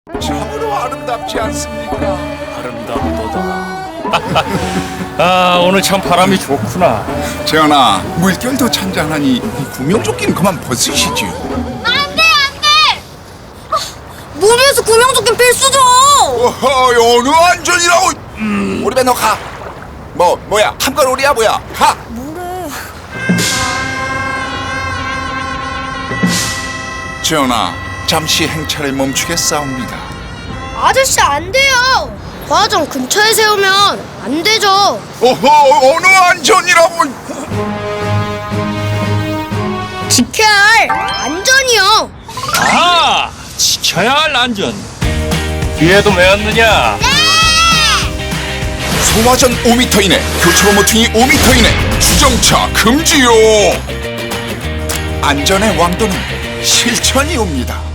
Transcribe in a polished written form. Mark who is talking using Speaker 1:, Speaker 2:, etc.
Speaker 1: 참으로 아름답지 않습니까?
Speaker 2: 아름답도다. 아, 오늘 참 바람이 좋구나.
Speaker 1: 재현아, 물결도 찬잔하니 구명조끼는 그만 벗으시지요.
Speaker 3: 안돼. 무리해서 구명조끼 필수죠.
Speaker 1: 어허, 어느 안전이라고. 우리 배 너 가. 뭐야? 한걸우리야 뭐야? 가.
Speaker 3: 뭐래?
Speaker 1: 재현아, 잠시 행차를 멈추겠사옵니다.
Speaker 3: 아저씨 안 돼요. 과정 근처에 세우면 안 되죠.
Speaker 1: 어허, 어느 안전이라고.
Speaker 3: 지켜야 할 안전이요.
Speaker 2: 아, 지켜야 할 안전. 뒤에도 매었느냐?
Speaker 1: 소화전 5m 이내, 교차로 모퉁이 5m 이내, 주정차 금지요. 안전의 왕도는 실천이옵니다.